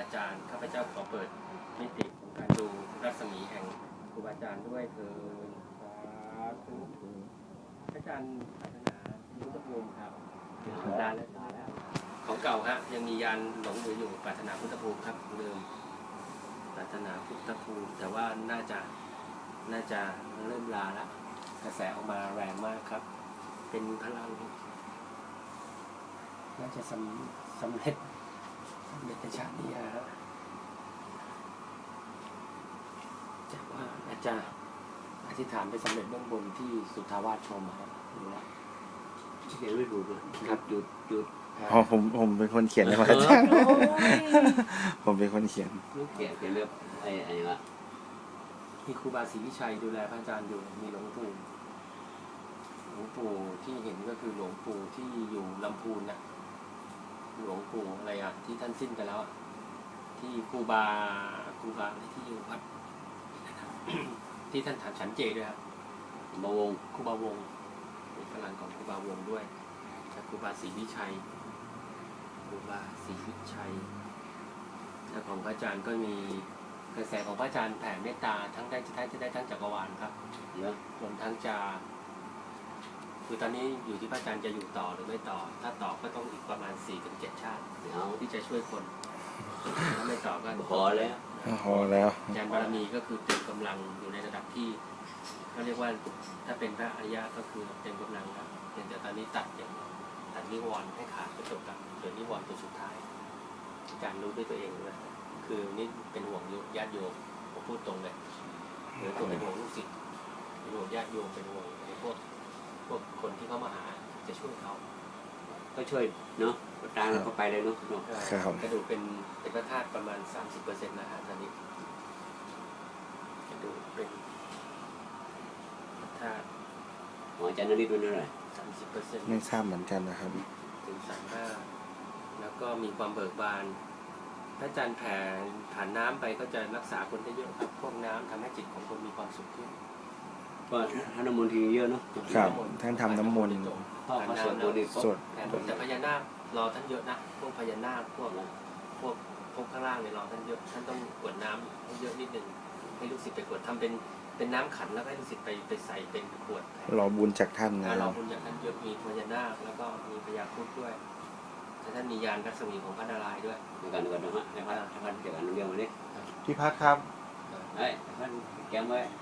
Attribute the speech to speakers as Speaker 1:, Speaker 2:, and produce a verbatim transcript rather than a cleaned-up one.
Speaker 1: อาจารย์ข้าพเจ้าขอเปิดมิติของการดูรัศมีแห่งครูบาอาจารย์ด้วยเถิดสาธุอาจารย์พัฒนาพุทธภูมิครับนานแล้วนานแล้วของเก่าฮะยังมียานหลงเหลืออยู่ปรารถนาพุทธภูมิครับเดิมปรารถนาพุทธภูมิแต่ว่าน่าจะน่าจะเริ่มลาละกระแสออกมาแรงมากครับเป็นพลังน่าจะสำสำเร็จสำเร็จในชาตินี้ฮะจากว่าอาจารย์อธิษฐานไปสำเร็จเบื้องบนที่สุทธาวาสชมครับดูแลเขียนไม่ถูกเลยครับหยุดหยุด
Speaker 2: อ๋อผมผมเป็นคนเขียนเลยครับอาจารย์ผมเป็นคนเขียน
Speaker 3: ลูกเขียนเป็นเรื่องไอ้ไอ้ละ
Speaker 1: มีครูบาศรีวิชัยดูแลพระอาจารย์อยู่มีหลวงปู่หลวงปู่ที่เห็นก็คือหลวงปู่ที่อยู่ลำพูนนะหลวงปู่อะไรอ่ะที่ท่านสิ้นไปแล้วอ่ะที่ครูบาครูบาที่อยู่วัดที่ท่านถามฉันเจด้วยครับ
Speaker 3: บาวง
Speaker 1: ครูบาวงเป็นพลังของครูบาวงด้วยจากครูบาศรีวิชัยครูบาศรีวิชัยและของพระอาจารย์ก็มีกระแสของพระอาจารย์แผ่เมตตาทั้งได้จะได้จะได้ทั้งจักรวาลครับ
Speaker 3: เยอะ
Speaker 1: รวมทั้งจะคือตอนนี้อยู่ที่พระอาจารย์จะอยู่ต่อหรือไม่ต่อถ้าต่อก็ต้องอีกประมาณ สี่ถึงเจ็ด ชาติที่จะช่วยคนถ้าไม่ต่อก็
Speaker 3: พอแล้ว
Speaker 2: พอแล้ว
Speaker 1: ญาณบารมีก็คือเต็มกำลังอยู่ในระดับที่เขาเรียกว่าถ้าเป็นพระอริยะก็คือเต็มกำลังครับเพียงแต่ตอนนี้ตัดอย่างตัดนิวรณ์ให้ขาดก็จบกับเหลือนิวรณ์ตัวสุดท้ายอาจารย์รู้ด้วยตัวเองนะคือนี่เป็นห่วงญาติโยมผมพูดตรงเลยหรือตัวเป็นห่วงลูกศิษย์เป็นห่วงญาติโยมเป็นห่วงในพวกพวกคนที่เขามาหาจะช่วยเขา
Speaker 3: ก็ช่วยเนาะตามเราก็ไปเลยเนาะ
Speaker 1: กระดูกเป็นเป็นพระธาตุประมาณ สามสิบเปอร์เซ็นต์ นะฮะตอนนี้กระดูกเป็นพระธาตุ
Speaker 3: หมออาจารย์นฤทธิ์เป็นเท่าไหร่
Speaker 1: สามสิบเปอร์เซ็นต์
Speaker 2: ไม่ทราบเหมือนกันนะครับ
Speaker 1: ถึงสามสิบห้าแล้วก็มีความเบิกบานพระอาจารย์แผ่ผ่านน้ำไปก็จะรักษาคนได้เยอะครับพวกน้ำทำให้จิตของคนมีความสุขขึ้น
Speaker 3: ก็ท่านน้ำมนต์ทีเยอะเนาะ
Speaker 2: ครับท่านทำน้ำมนต์
Speaker 3: พ่อเขาสวดมนต์
Speaker 2: สวด
Speaker 1: แต่พญานาครอท่านเยอะนะพวกพญานาคพวกพวกพวกข้างล่างเนี่ยรอท่านเยอะท่านต้องกวดน้ำให้เยอะนิดนึงให้ลูกศิษย์ไปกวดทำเป็นเป็นน้ำขันแล้วให้ลูกศิษย์ไปไปใส่เป็นขวด
Speaker 2: รอบุญจากท่านนะ
Speaker 1: รอบุญจากท่านเยอะมีพญานาคแล้วก็มีพญาครุฑด้วยแต่ท่านมียานรัศมีของพระนารายณ์ด้วย
Speaker 3: ในการก่อนนะฮะในพระท่านเกี่ยวกับเรื่องวันนี้
Speaker 2: พี่พัดครับ
Speaker 3: ไอ้ท่านแก้มไว้